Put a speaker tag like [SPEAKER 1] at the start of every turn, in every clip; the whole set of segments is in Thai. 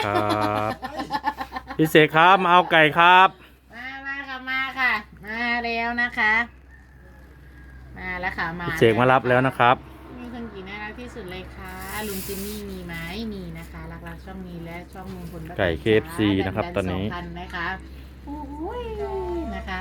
[SPEAKER 1] ครับพี่เสกครับมาเอาไก่ครับ
[SPEAKER 2] มาค่ะมาค่ะ มาแล้วนะคะ มาแล้วค่ะมา
[SPEAKER 1] พี่เสกมารับแล้วนะครับ
[SPEAKER 2] มีคนกี่น่ารักที่สุดเลยค่ะลุงจิมมี่มีไหมมีนะคะรักๆช่องนี้และช่องลุงพลป้าแตน
[SPEAKER 1] ไก่ KFC นะครับตอนนี้
[SPEAKER 2] 2,000นะคะโอ้ยนะคะ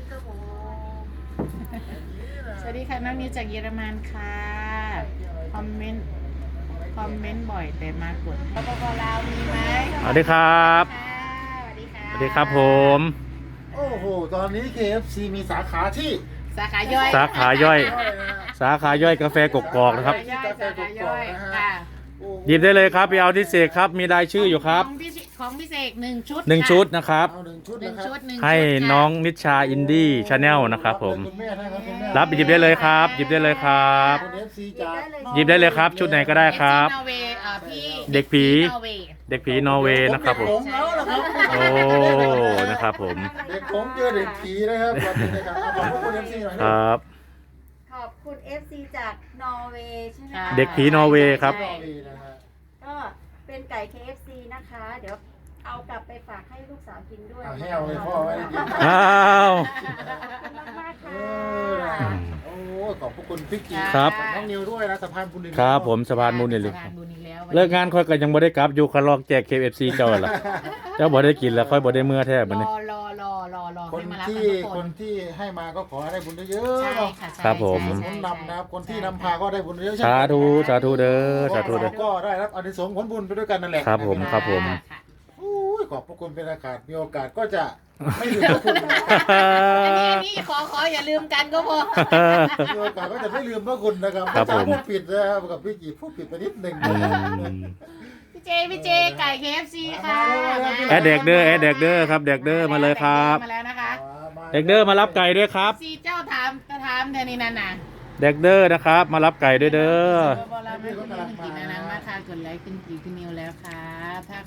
[SPEAKER 2] สวัสดีค่ะน้องนิวจากเยอรมันค่ะคอมเมนต์บ่อยแต่มากดปปลาวมีไหม
[SPEAKER 1] สวัสดีครับ
[SPEAKER 2] สวัสดีค่ะ
[SPEAKER 1] สวัสดีครับผม
[SPEAKER 3] โอ้โห ตอนนี้ KFC มีสาขาที่
[SPEAKER 2] สาขาย่อย
[SPEAKER 1] สาขาย่อย สาขาย่อยกาแฟกกอกนะครับ
[SPEAKER 2] สาขาย่อยสาขาย่อยค่ะ
[SPEAKER 3] โอ้โ
[SPEAKER 1] หยิบได้เลยครับไปเอาที่เสกครับมีรายชื่ออยู่ครับ
[SPEAKER 2] ของพี่เสก1 ชุด
[SPEAKER 1] 1 ชุดนะครับ
[SPEAKER 3] เอา1 ชุด
[SPEAKER 2] หนึ่
[SPEAKER 3] นะ
[SPEAKER 2] ง
[SPEAKER 3] ครับ
[SPEAKER 2] ชุด1
[SPEAKER 1] ให้น้องนิชาอินดี้ชาแนลนะครับผม
[SPEAKER 3] คุณแม่นะครับคุณแม่
[SPEAKER 1] รับหยิบได้เลยครับ หยิบได้เลยครับ
[SPEAKER 3] คุณ FC จาก
[SPEAKER 1] หยิบได้เลยครับชุดไหนก็ได้ครับ
[SPEAKER 2] นอร์เวย์พี่
[SPEAKER 1] เด็กผี
[SPEAKER 2] นอร์เวย์
[SPEAKER 1] เด็กผีนอร์เวย์นะครับผม
[SPEAKER 3] ผมแล้วนะครับ
[SPEAKER 1] โอ้นะครับผม
[SPEAKER 3] เด็กผมเจอเด็กผีนะครับวันนี้นะครับขอบคุณ FC หน่อย
[SPEAKER 1] ค
[SPEAKER 3] นะ
[SPEAKER 1] รับ
[SPEAKER 4] ขอบคุณ FC จากนอร์เวย์ใช่ไหมคะ
[SPEAKER 1] เด็กผีนอร์เวย์ครับ
[SPEAKER 3] รอดีนะฮะ
[SPEAKER 4] ก็เป็นไก่ KFC นะคะ เดี๋ยวเอากลับไปฝากให้ลูกสาวกินด้วย
[SPEAKER 3] เอาแห้วเลยพ่อไม่ได้กิน
[SPEAKER 1] อ้าว
[SPEAKER 4] มากๆ
[SPEAKER 3] เอ
[SPEAKER 4] ค่ะ
[SPEAKER 3] อนะโอ้ขอบพระคุณพี่กี
[SPEAKER 1] ครับ
[SPEAKER 3] น้องนิวด้วยนะสะพานบุญดิน
[SPEAKER 1] ครับผมสะพานบุญนี่เลย
[SPEAKER 2] สะพานบุญอีกแล้ว
[SPEAKER 1] เลิกงานค่อยก็ยังบ่ได้กลับอยู่คาลอกแจก KFC เจ้าล่ะเจ้าบ่ได้กินแล้วค่อยบ่ได้เมื่อแท้บัดนี้
[SPEAKER 2] รอ
[SPEAKER 3] คน
[SPEAKER 2] ให้มารับ
[SPEAKER 3] ที่
[SPEAKER 2] กันทุก
[SPEAKER 3] ค
[SPEAKER 2] คน
[SPEAKER 3] นที่ให้มาก็ขอให้ได้บุญเยอะ
[SPEAKER 2] ใช่
[SPEAKER 3] ๆเนาะ
[SPEAKER 2] ค่ะใช่
[SPEAKER 1] ครับผม
[SPEAKER 2] ใช่
[SPEAKER 3] ค
[SPEAKER 2] ใช่
[SPEAKER 3] นนำนะครับคนที่นำพาก็ได้บุญเยอะๆ
[SPEAKER 1] สาธุสาธุเด้อสาธุเด้อ
[SPEAKER 3] ก็ได้รับอานิสงส์ผลบุญไปด้วยกันนั่นแหละ
[SPEAKER 1] ครับผม
[SPEAKER 3] นะครับ
[SPEAKER 1] ผม
[SPEAKER 2] ค่ะ
[SPEAKER 3] อุ้ยขอบพระคุณเป็นอากาศมีโอกาสก็จะไม่ลืมพระคุณนะ
[SPEAKER 2] อันนี้ขออย่าลืมกันก็พอ
[SPEAKER 3] มีโอกาสก็จะไม่ลืมพระคุณนะครับ
[SPEAKER 1] ครับผม
[SPEAKER 3] พูดผิดนะครับกับพี่กีพูดผิดไปนิดหนึ่ง
[SPEAKER 1] อืม
[SPEAKER 2] พี่เจไก่ KFC ค่ะ
[SPEAKER 1] แอดเด็กเด้อแอดเด็กเด้อครับเด็กเด้อมาเลยครับ
[SPEAKER 2] มาแล้วนะคะ
[SPEAKER 1] เด็กเด้อมารับไก่ด้วยครับ
[SPEAKER 2] ซีเจ้าถามเธอนี่นั่นน่ะ
[SPEAKER 1] เด็กเด้อนะครับ มารับไก่ด้วยเด้อ
[SPEAKER 2] โบราณไม่คุณกินนะนั้นมาค่ะกดไลค์คุณกีคุณนิวแล้วค่ะถ้า